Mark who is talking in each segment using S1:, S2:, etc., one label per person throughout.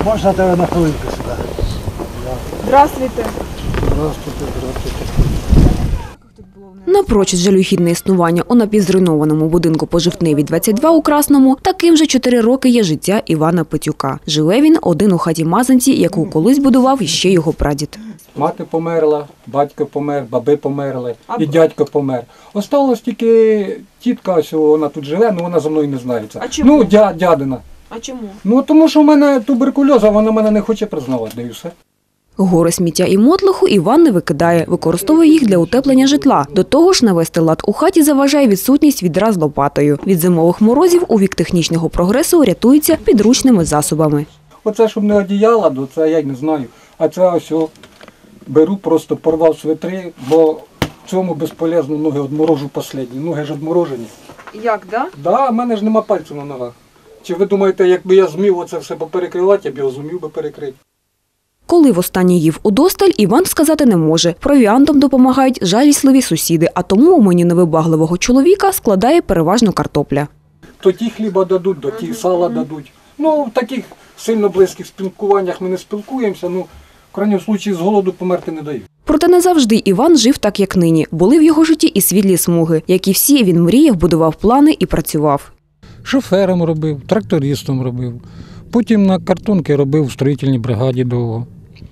S1: Можна тебе на хвилинку сюди?
S2: Здравствуйте.
S1: Здравствуйте.
S3: Напрочуд жалюгідне існування у напівзруйнованому будинку по Жовтневій, 22 у Красному, таким же 4 роки є життя Івана Петюка. Живе він один у хаті Мазанці, яку колись будував іще його прадід.
S4: Мати померла, батько помер, баби померли і дядько помер. Осталось тільки тітка, ось вона тут живе, але вона за мною не знається.
S2: А чому?
S4: Ну, дядина.
S2: А чому?
S4: Ну, тому що в мене туберкульоз, а вона мене не хоче признавати, да і все.
S3: Гори сміття і мотлоху Іван не викидає, використовує їх для утеплення житла. До того ж, навести лад у хаті заважає відсутність відра з лопатою. Від зимових морозів у вік технічного прогресу рятується підручними засобами.
S4: Оце, щоб не одіяла, то це я й не знаю. А це ось беру, просто порвав свитри, бо в цьому безполезно ноги одморожу останні. Ноги ж одморожені.
S2: Як, да?
S4: Да, в мене ж нема пальців на ногах. Чи ви думаєте, якби я змів оце все поперекривати, я б його зумів би перекрити?
S3: Коли востаннє їв удосталь, Іван сказати не може. Провіантом допомагають жалісливі сусіди, а тому у меню невибагливого чоловіка складає переважно картопля.
S4: То ті хліба дадуть, то ті сала дадуть. Ну, в таких сильно близьких спілкуваннях ми не спілкуємося, ну, в крайньому випадку з голоду померти не дають.
S3: Проте не завжди Іван жив так, як нині. Були в його житті і світлі смуги. Як і всі, він мріяв, будував плани і працював.
S5: Шофером робив, трактористом робив. Потім на картонки робив в строїтельній бригаді довго.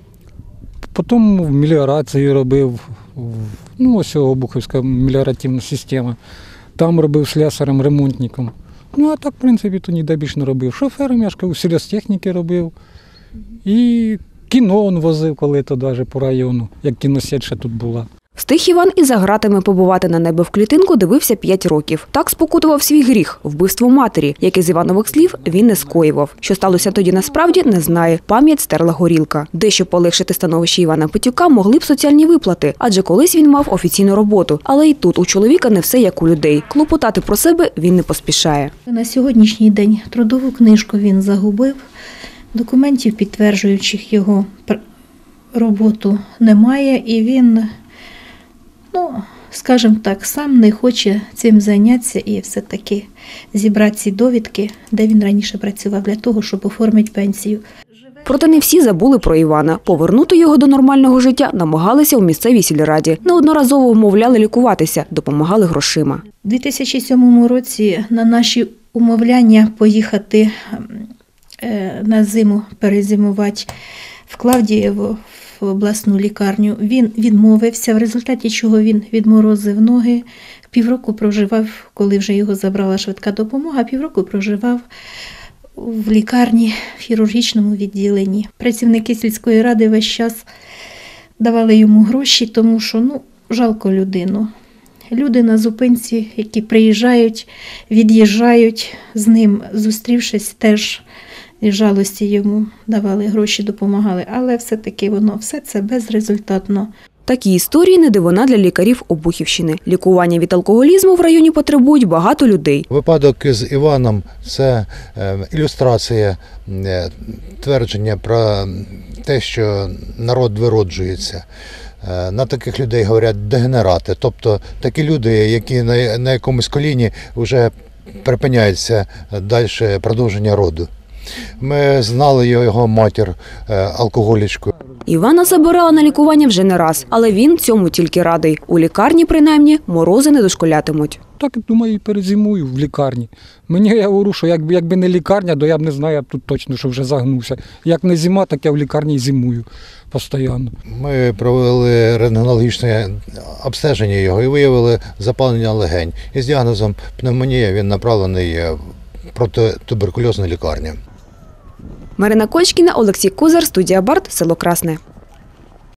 S5: Потім в меліорації робив, ну ось Обухівська меліоративна система. Там робив слесарем, ремонтником. Ну а так, в принципі, то ніде більше не робив. Шофером, я ж кажу, сільгосптехніки робив. І кіно он возив коли-то навіть по району, як кіносеть ще тут була.
S3: Встиг Іван і за ґратами побувати на небо в клітинку дивився 5 років. Так спокутував свій гріх – вбивство матері, яке з Іванових слів він не скоював. Що сталося тоді насправді, не знає. Пам'ять стерла горілка. Дещо полегшити становище Івана Петюка могли б соціальні виплати, адже колись він мав офіційну роботу. Але і тут у чоловіка не все як у людей. Клопотати про себе він не поспішає.
S6: На сьогоднішній день трудову книжку він загубив. Документів, підтверджуючих його роботу, немає. І він, скажімо так, сам не хоче цим зайнятися і все-таки зібрати ці довідки, де він раніше працював, для того, щоб оформити пенсію.
S3: Проте не всі забули про Івана. Повернути його до нормального життя намагалися у місцевій сільраді. Неодноразово вмовляли лікуватися, допомагали грошима.
S6: У 2007 році на наші умовляння поїхати на зиму перезимувати в Клавдієво, в обласну лікарню, він відмовився, в результаті чого він відморозив ноги. Півроку проживав, коли вже його забрала швидка допомога, півроку проживав в лікарні, в хірургічному відділенні. Працівники сільської ради весь час давали йому гроші, тому що, жалко людину. Люди на зупинці, які приїжджають, від'їжджають з ним, зустрівшись, теж із жалості йому давали гроші, допомагали. Але все-таки все це безрезультатно.
S3: Такі історії не дивина для лікарів Обухівщини. Лікування від алкоголізму в районі потребують багато людей.
S7: Випадок з Іваном – це ілюстрація твердження про те, що народ вироджується. На таких людей говорять дегенерати, тобто такі люди, які на якомусь коліні вже припиняється далі продовження роду. Ми знали його матір, алкоголічку.
S3: Івана забирала на лікування вже не раз, але він цьому тільки радий. У лікарні, принаймні, морози не дошколятимуть.
S5: Так, думаю, і перезимую в лікарні. Мені, я говорю, що якби не лікарня, то я б не знаю, я б тут точно, що вже загнувся. Як не зима, так я в лікарні і зимую постійно. Ми
S7: провели рентгенологічне обстеження його і виявили запалення легень. І з діагнозом пневмонія він направлений в протитуберкульозну лікарню.
S3: Марина Кочкіна, Олексій Кузар, студія Барт, село Красне.